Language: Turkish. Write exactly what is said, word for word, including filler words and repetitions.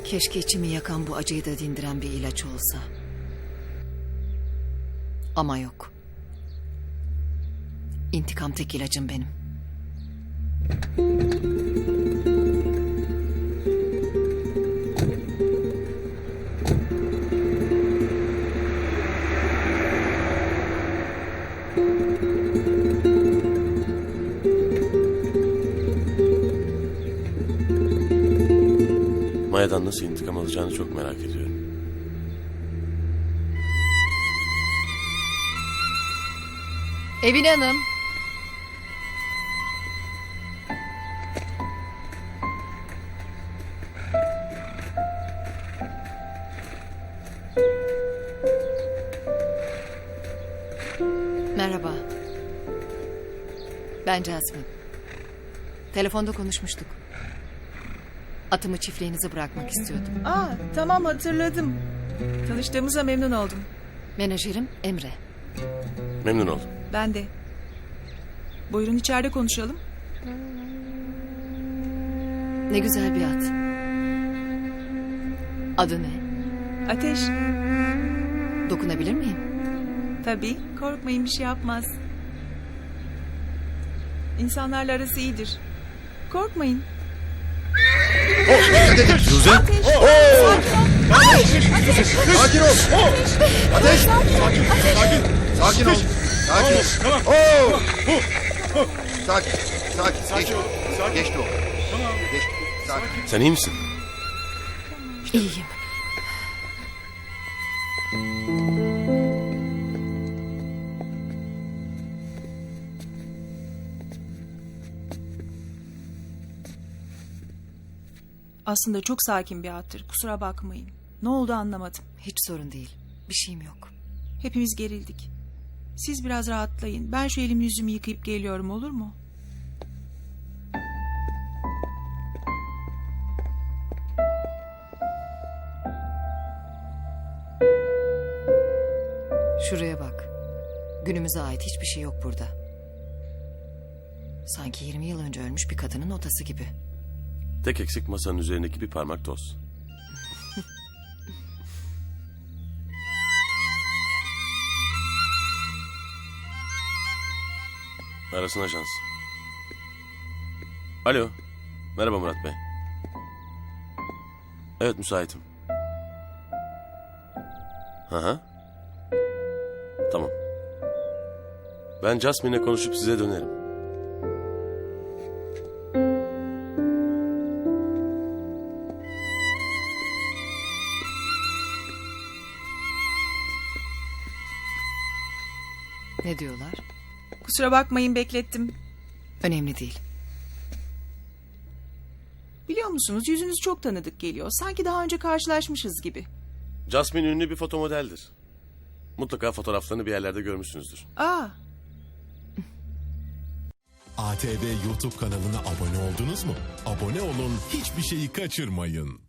Keşke içimi yakan bu acıyı da dindiren bir ilaç olsa. Ama yok. İntikam tek ilacım benim. Maya'dan nasıl intikam alacağını çok merak ediyorum. Evine Hanım. Merhaba. Ben Jasmine. Telefonda konuşmuştuk. Atımı çiftliğinize bırakmak istiyordum. Aa, tamam hatırladım. Tanıştığımıza memnun oldum. Menajerim Emre. Memnun oldum. Ben de. Buyurun içeride konuşalım. Ne güzel bir at. Adı ne? Ateş. Dokunabilir miyim? Tabii, korkmayın bir şey yapmaz. İnsanlarla arası iyidir. Korkmayın. Suzi! Ateş. Sakin ol! Ateş! Sakin, sakin, sakin ol. Sakin. Tamam. Oo! Sakin, sakin. Sakin Geçti. ol, sakin. Geçti o. Tamam. Geçti. Sakin. Sen iyi misin? İyiyim. Aslında çok sakin bir attır. Kusura bakmayın. Ne oldu anlamadım. Hiç sorun değil. Bir şeyim yok. Hepimiz gerildik. Siz biraz rahatlayın. Ben şu elimi yüzümü yıkayıp geliyorum, olur mu? Şuraya bak. Günümüze ait hiçbir şey yok burada. Sanki yirmi yıl önce ölmüş bir kadının notası gibi. Tek eksik masanın üzerindeki bir parmak toz. Arasın ajans. Alo. Merhaba Murat Bey. Evet, müsaitim. Hı hı. Tamam. Ben Jasmine'le konuşup size dönerim. Ne diyorlar? Kusura bakmayın beklettim. Önemli değil. Biliyor musunuz yüzünüz çok tanıdık geliyor. Sanki daha önce karşılaşmışız gibi. Jasmine ünlü bir fotomodeldir. Mutlaka fotoğraflarını bir yerlerde görmüşsünüzdür. Aa, A T V YouTube kanalına abone oldunuz mu? Abone olun, hiçbir şeyi kaçırmayın.